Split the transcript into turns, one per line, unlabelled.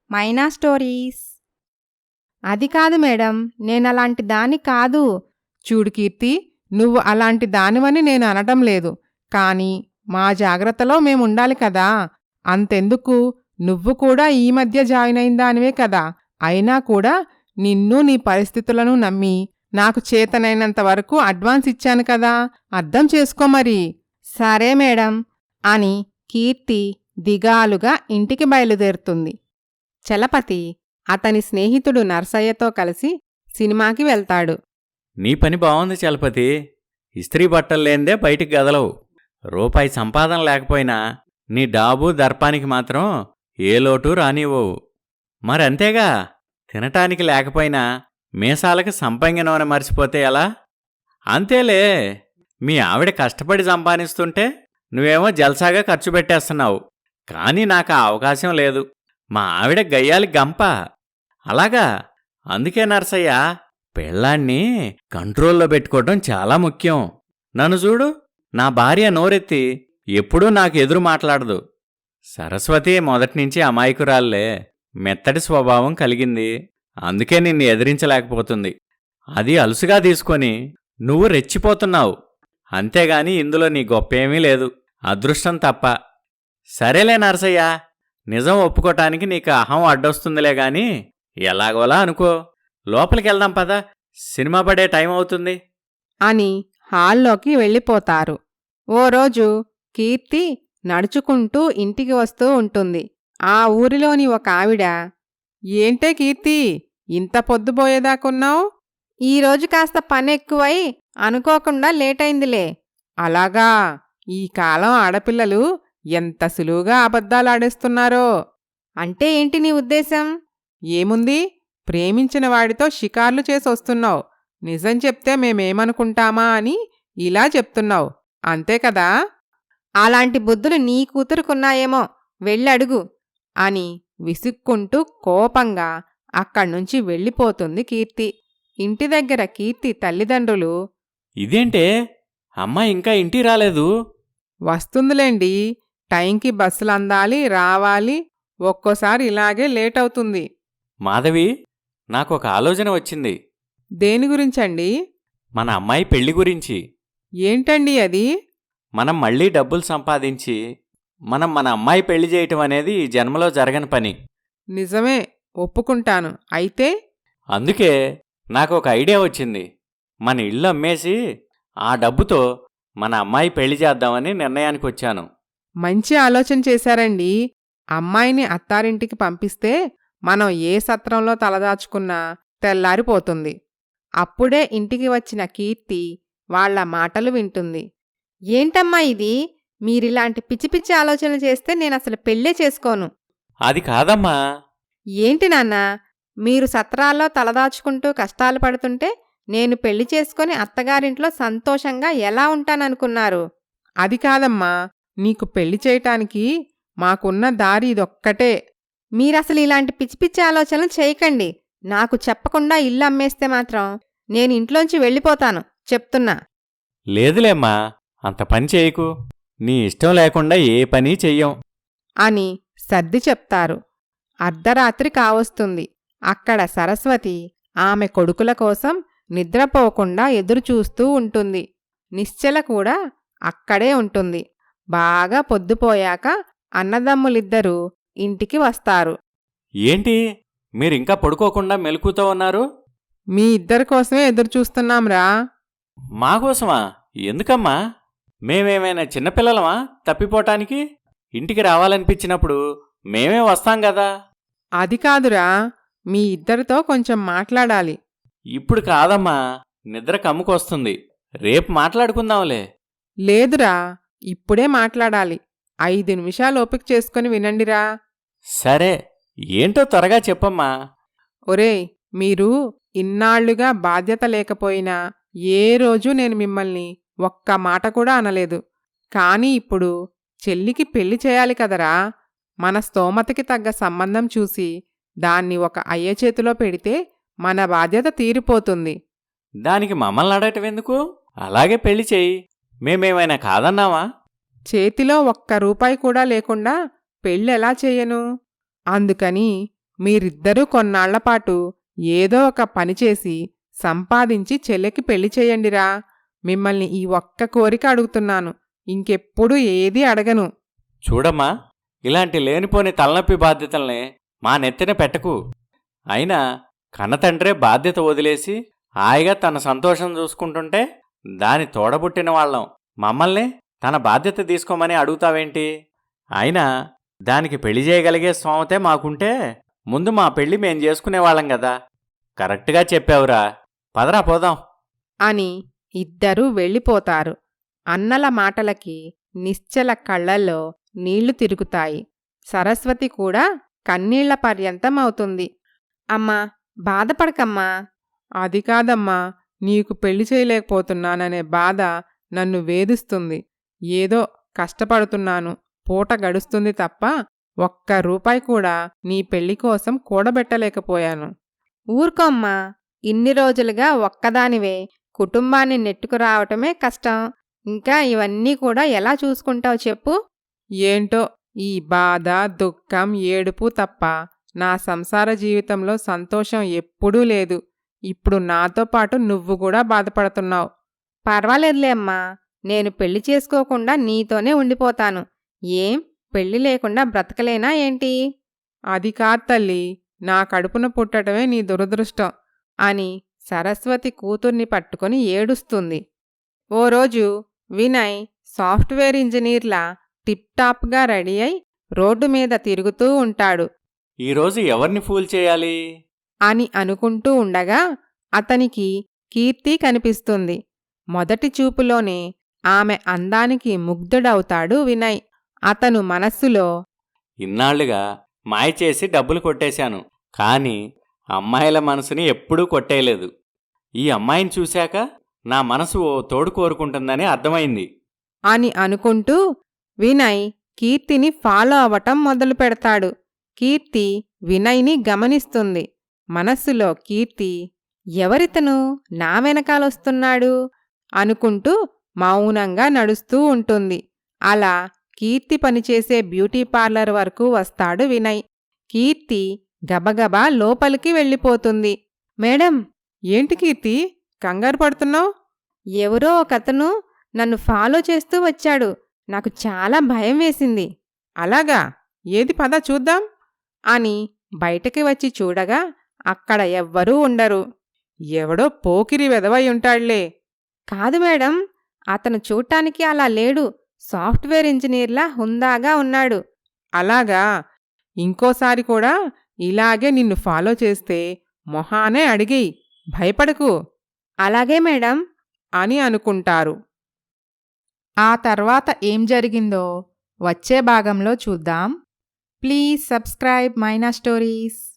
మైనా stories. అది కాదు madam, నేనలాంటి దాన్ని కాదు.
చూడు కీర్తి, నువ్వు అలాంటి దానివని నేను అనటం లేదు. కాని మా జాగ్రత్తలో మేముండాలి కదా. అంతెందుకు, నువ్వు కూడా ఈ మధ్య జాయిన్ అయిన దానివే కదా. అయినా కూడా నిన్ను నీ పరిస్థితులను నమ్మి నాకు చేతనైనంత వరకు అడ్వాన్స్ ఇచ్చాను కదా, అర్థం చేసుకో మరి.
సరే మేడం
అని కీర్తి దిగాలుగా ఇంటికి బయలుదేరుతుంది. చలపతి అతని స్నేహితుడు నర్సయ్యతో కలిసి సినిమాకి వెళ్తాడు.
నీ పని బావుంది చలపతి. ఇస్త్రీ బట్టలు లేందే బయటికి గదలవు. రూపాయి సంపాదన లేకపోయినా నీ డాబు దర్పానికి మాత్రం ఏ లోటు రానివ్వవు. మరంతేగా, తినటానికి లేకపోయినా మీసాలకి సంపంగి నూనె మర్చిపోతే ఎలా? అంతేలే, మీ ఆవిడ కష్టపడి సంపాదిస్తుంటే నువ్వేమో జల్సాగా ఖర్చు పెట్టేస్తున్నావు. కానీ నాకు ఆ అవకాశం లేదు. మా ఆవిడ గయ్యాలి గంప. అలాగా? అందుకే నర్సయ్య, పెళ్ళాన్ని కంట్రోల్లో పెట్టుకోవడం చాలా ముఖ్యం. నన్ను చూడు, నా భార్య నోరెత్తి ఎప్పుడూ నాకు ఎదురు మాట్లాడదు. సరస్వతి మొదటినుంచి అమాయకురాల్లే, మెత్తటి స్వభావం కలిగింది. అందుకే నిన్ను ఎదిరించలేకపోతుంది. అది అలుసుగా తీసుకొని నువ్వు రెచ్చిపోతున్నావు. అంతేగాని ఇందులో నీ గొప్పేమీ లేదు, అదృష్టం తప్ప. సరేలే నరసయ్య, నిజం ఒప్పుకోటానికి నీకు అహం అడ్డొస్తుందిలే గాని ఎలాగోలా అనుకో. లోపలికెళ్దాం పద, సినిమా పడే టైం అవుతుంది
అని హాల్లోకి వెళ్ళిపోతారు. ఓ రోజు కీర్తి నడుచుకుంటూ ఇంటికి వస్తూ ఉంటుంది. ఆ ఊరిలోని ఒక ఆవిడ, ఏంటే కీర్తి, ఇంత పొద్దుపోయేదాకున్నావు?
ఈరోజు కాస్త పనెక్కువై అనుకోకుండా లేటైందిలే.
అలాగా? ఈ కాలం ఆడపిల్లలు ఎంత సులువుగా అబద్ధాలాడేస్తున్నారో.
అంటే ఏంటి నీ ఉద్దేశం?
ఏముంది, ప్రేమించిన వాడితో షికార్లు చేసొస్తున్నావు. నిజం చెప్తే మేమేమనుకుంటామా అని ఇలా చెప్తున్నావు, అంతే కదా?
అలాంటి బుద్ధులు నీ కూతురుకున్నాయేమో, వెళ్ళడుగు
అని విసుక్కుంటూ కోపంగా అక్కడ్నుంచి వెళ్ళిపోతుంది కీర్తి. ఇంటి దగ్గర కీర్తి తల్లిదండ్రులు,
ఇదేంటే అమ్మాయి ఇంకా ఇంటికి రాలేదు?
వస్తుందిలేండి, టైంకి బస్సులు అందాలి, రావాలి. ఒక్కోసారి ఇలాగే లేట్ అవుతుంది.
మాధవి, నాకొక ఆలోచన వచ్చింది.
దేని గురించండి?
మన అమ్మాయి పెళ్లి గురించి.
ఏంటండి అది?
మనం మళ్ళీ డబ్బులు సంపాదించి మన అమ్మాయి పెళ్లి చేయటం అనేది ఈ జన్మలో జరగని పని.
నిజమే, ఒప్పుకుంటాను. అయితే
అందుకే నాకొక ఐడియా వచ్చింది. మన ఇల్లు అమ్మేసి ఆ డబ్బుతో మన అమ్మాయి పెళ్లి చేద్దామని నిర్ణయానికి వచ్చాను.
మంచి ఆలోచన చేశారండి. అమ్మాయిని అత్తారింటికి పంపిస్తే మనం ఏ సత్రంలో తలదాచుకున్నా తెల్లారిపోతుంది. అప్పుడే ఇంటికి వచ్చిన కీర్తి వాళ్ల మాటలు వింటుంది.
ఏంటమ్మా ఇది? మీరిలాంటి పిచ్చి పిచ్చి ఆలోచనలు చేస్తే నేనసలు పెళ్ళే చేసుకోను.
అది కాదమ్మా.
ఏంటి నాన్నా, మీరు సత్రాల్లో తలదాచుకుంటూ కష్టాలు పడుతుంటే నేను పెళ్లి చేసుకొని అత్తగారింట్లో సంతోషంగా ఎలా ఉంటాననుకున్నారు?
అది కాదమ్మా, నీకు పెళ్లి చేయటానికి మాకున్న దారి ఇదొక్కటే.
మీరసలు ఇలాంటి పిచ్చి పిచ్చి ఆలోచనలు చేయకండి. నాకు చెప్పకుండా ఇల్లు అమ్మేస్తే మాత్రం నేను ఇంట్లోంచి వెళ్ళిపోతాను, చెప్తున్నా.
లేదులేమ్మా, అంత పని చేయకు. నీ ఇష్టం లేకుండా ఏ పని చెయ్యం
అని సర్ది చెప్తారు. అర్ధరాత్రి కావస్తుంది. అక్కడ సరస్వతి ఆమె కొడుకుల కోసం నిద్రపోకుండా ఎదురుచూస్తూ ఉంటుంది. నిశ్చల కూడా అక్కడే ఉంటుంది. బాగా పొద్దుపోయాక అన్నదమ్ములిద్దరూ ఇంటికి వస్తారు.
ఏంటి, మీరింకా పడుకోకుండా మెలకుతో ఉన్నారు?
మీ ఇద్దరి కోసమే ఎదురుచూస్తున్నాంరా.
మాకోసమా? ఎందుకమ్మా? మేమేమైనా చిన్నపిల్లలమా తప్పిపోటానికి? ఇంటికి రావాలనిపించినప్పుడు మేమే వస్తాం కదా.
అది కాదురా, మీ ఇద్దరితో కొంచెం మాట్లాడాలి.
ఇప్పుడు కాదమ్మా, నిద్ర కమ్ముకొస్తుంది. రేపు మాట్లాడుకుందాంలే.
లేదురా, ఇప్పుడే మాట్లాడాలి. 5 నిమిషాలు ఓపిక చేసుకుని వినండిరా.
సరే, ఏంటో త్వరగా చెప్పమ్మా.
ఒరేయ్, మీరు ఇన్నాళ్లుగా బాధ్యత లేకపోయినా ఏ రోజు నేను మిమ్మల్ని ఒక్క మాట కూడా అనలేదు. కాని ఇప్పుడు చెల్లికి పెళ్లి చేయాలి కదరా. మన స్తోమతకి తగ్గ సంబంధం చూసి దాన్ని ఒక అయ్య చేతిలో పెడితే మన బాధ్యత తీరిపోతుంది.
దానికి మమ్మల్ని అడగటం ఎందుకు? అలాగే పెళ్లి చెయ్యి. మేమేమైనా కాదన్నావా?
చేతిలో ఒక్క రూపాయి కూడా లేకుండా పెళ్ళెలా చేయను? అందుకని మీరిద్దరూ కొన్నాళ్లపాటు ఏదో ఒక పని చేసి సంపాదించి చెల్లెకి పెళ్లి చేయండిరా. మిమ్మల్ని ఈ ఒక్క కోరిక అడుగుతున్నాను. ఇంకెప్పుడు ఏదీ అడగను.
చూడమ్మా, ఇలాంటి లేనిపోని తలనొప్పి బాధ్యతల్ని మా నెత్తిన పెట్టకు. అయినా కన్నతండ్రే బాధ్యత వదిలేసి హాయిగా తన సంతోషం చూసుకుంటుంటే దాని తోడబుట్టిన వాళ్ళం మమ్మల్ని తన బాధ్యత తీసుకోమని అడుగుతావేంటి? అయినా దానికి పెళ్లి చేయగలిగే స్తోమతే మాకుంటే ముందు మా పెళ్లి మేం చేసుకునేవాళ్ళం కదా. కరెక్ట్గా చెప్పావురా. పదరా పోదాం
అని ఇద్దరూ వెళ్ళిపోతారు. అన్నల మాటలకి నిశ్చల కళ్ళల్లో నీళ్లు తిరుగుతాయి. సరస్వతి కూడా కన్నీళ్ల పర్యంతం అవుతుంది. అమ్మా, బాధపడకమ్మా.
అది కాదమ్మా, నీకు పెళ్లి చేయలేకపోతున్నాననే బాధ నన్ను వేధిస్తుంది. ఏదో కష్టపడుతున్నాను, పూట గడుస్తుంది తప్ప ఒక్క రూపాయి కూడా నీ పెళ్లి కోసం కూడబెట్టలేకపోయాను.
ఊరుకోమ్మా, ఇన్ని రోజులుగా ఒక్కదానివే కుటుంబాన్ని నెట్టుకురావటమే కష్టం. ఇంకా ఇవన్నీ కూడా ఎలా చూసుకుంటావు చెప్పు?
ఏంటో ఈ బాధ, దుఃఖం, ఏడుపు తప్ప నా సంసార జీవితంలో సంతోషం ఎప్పుడూ లేదు. ఇప్పుడు నాతో పాటు నువ్వు కూడా బాధపడుతున్నావు.
పర్వాలేదులే అమ్మా, నేను పెళ్లి చేసుకోకుండా నీతోనే ఉండిపోతాను. ఏం పెళ్లి లేకుండా బ్రతకలేనా ఏంటి?
అది కాదు తల్లి, నా కడుపున పుట్టడమే నీ దురదృష్టం
అని సరస్వతి కూతుర్ని పట్టుకొని ఏడుస్తుంది. ఓ రోజు వినయ్ సాఫ్ట్వేర్ ఇంజనీర్లా టిప్టాప్గా రెడీ అయి రోడ్డు మీద తిరుగుతూ ఉంటాడు.
ఈరోజు ఎవరిని ఫూల్ చేయాలి
అని అనుకుంటూ ఉండగా అతనికి కీర్తి కనిపిస్తుంది. మొదటి చూపులోనే ఆమె అందానికి ముగ్ధుడవుతాడు వినయ్. అతను మనస్సులో,
ఇన్నాళ్లుగా మాయ చేసి డబ్బులు కొట్టేశాను, కానీ అమ్మాయిల మనసుని ఎప్పుడూ కొట్టేయలేదు. ఈ అమ్మాయిని చూశాక నా మనసు ఓ తోడు కోరుకుంటుందని అర్థమైంది
అని అనుకుంటూ వినయ్ కీర్తిని ఫాలో అవటం మొదలు పెడతాడు. కీర్తి వినయ్ని గమనిస్తుంది. మనస్సులో కీర్తి, ఎవరితను నా వెనకాలొస్తున్నాడు అనుకుంటూ మౌనంగా నడుస్తూ ఉంటుంది. అలా కీర్తి పనిచేసే బ్యూటీ పార్లర్ వరకు వస్తాడు వినయ్. కీర్తి గబగబా లోపలికి వెళ్ళిపోతుంది. మేడం,
ఏంటి కీర్తి, కంగారు పడుతున్నావు?
ఎవరో ఒకతను నన్ను ఫాలో చేస్తూ వచ్చాడు. నాకు చాలా భయం వేసింది.
అలాగా, ఏది పద చూద్దాం
అని బయటకి వచ్చి చూడగా అక్కడ ఎవ్వరూ ఉండరు.
ఎవడో పోకిరి వెధవై ఉంటాళ్లే.
కాదు మేడం, అతను చూడటానికి అలా లేడు. సాఫ్ట్వేర్ ఇంజనీర్లా హుందాగా ఉన్నాడు.
అలాగా, ఇంకోసారి కూడా ఇలాగే నిన్ను ఫాలో చేస్తే మొహానే అడిగేయ్, భయపడకు
అలాగే మేడం
అని అనుకుంటారు.
ఆ తర్వాత ఏం జరిగిందో వచ్చే భాగంలో చూద్దాం. Please subscribe Maina stories.